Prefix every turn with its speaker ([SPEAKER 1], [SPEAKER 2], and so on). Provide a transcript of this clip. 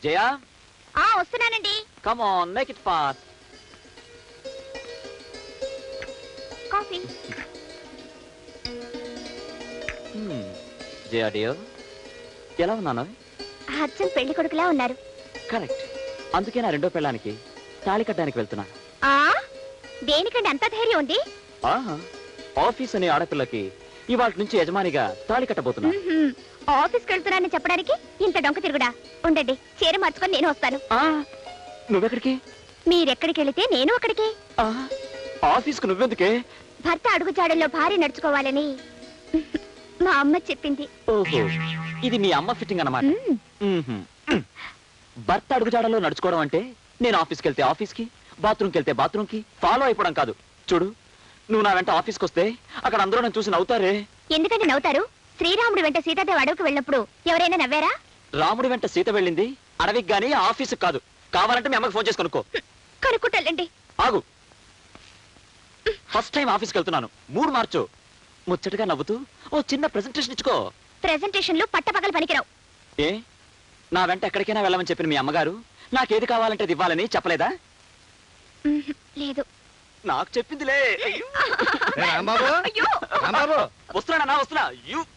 [SPEAKER 1] జయా
[SPEAKER 2] వస్తున్నానండి.
[SPEAKER 1] Come on make it fast.
[SPEAKER 2] Coffee.
[SPEAKER 1] Jaya dear, ఎలా ఉన్నాను?
[SPEAKER 2] అచ్చం పెళ్లి కొడుకులా ఉన్నారు.
[SPEAKER 1] కరెక్ట్. అందుకే నా రెండో పెళ్ళానికి తాళి కట్టడానికి వెళ్తున్నా.
[SPEAKER 2] దేనికండి అంత ధైర్యం ఉంది?
[SPEAKER 1] ఆఫీస్ అనే ఆడపిల్లకి ఇవాళ నుంచి యజమానిగా తాళి కట్టబోతున్నా.
[SPEAKER 2] ఆఫీస్కి వెళ్తున్నానని చెప్పడానికి ఇంత డొంక తిరుగుడా? ఉండండి, చీర మార్చుకొని నేను వస్తాను.
[SPEAKER 1] నువ్వెక్కడికి?
[SPEAKER 2] మీరెక్కడికి వెళితే నేను అక్కడికి.
[SPEAKER 1] ఆఫీస్కు నువ్వెందుకే?
[SPEAKER 2] భర్త అడుగుజాడల్లో భార్య నడుచుకోవాలని మా అమ్మ చెప్పింది.
[SPEAKER 1] ఓహో, ఇది మీ అమ్మ ఫిట్టింగ్ అన్నమాట. భర్త అడుగుజాడల్లో నడుచుకోవడం అంటే నేను ఆఫీస్కి వెళ్తే ఆఫీస్కి, బాత్రూమ్కి వెళ్తే బాత్రూమ్కి ఫాలో అయిపోవడం కాదు. చూడు, నువ్వు నా వెంట ఆఫీస్కి వస్తే అక్కడ అందరూ నన్ను చూసి నవ్వుతారే.
[SPEAKER 2] ఎందుకంటే నవ్వుతారు? శ్రీరాముడు వెంట సీతాదేవి అడవికి వెళ్ళినప్పుడు ఎవరైనా నవ్వారా?
[SPEAKER 1] రాముడి వెంట సీత వెళ్ళింది అడవికి గానీ ఆఫీస్కి కాదు. కావాలంటే మీ అమ్మకి ఫోన్ చేసి కనుక్కో.
[SPEAKER 2] కనుక్కుంటాలండి.
[SPEAKER 1] ఆగు. ఫస్ట్ టైం ఆఫీస్కి వెళ్తున్నాను, మూడు మార్చు. ముచ్చటగా నవ్వుతూ ఓ చిన్న ప్రెజెంటేషన్ ఇచ్చుకో.
[SPEAKER 2] ప్రెజెంటేషన్లు పట్టపగలు పనికిరావు.
[SPEAKER 1] ఏ, నా వెంట ఎక్కడికైనా వెళ్ళమని చెప్పిన మీ అమ్మగారు నాకేది కావాలంటే అది ఇవ్వాలని చెప్పలేదా?
[SPEAKER 2] లేదు.
[SPEAKER 1] నాకు చెప్పిందిలే.
[SPEAKER 3] రాంబాబు,
[SPEAKER 2] అయ్యో,
[SPEAKER 3] రాంబాబు
[SPEAKER 1] వస్తున్నా.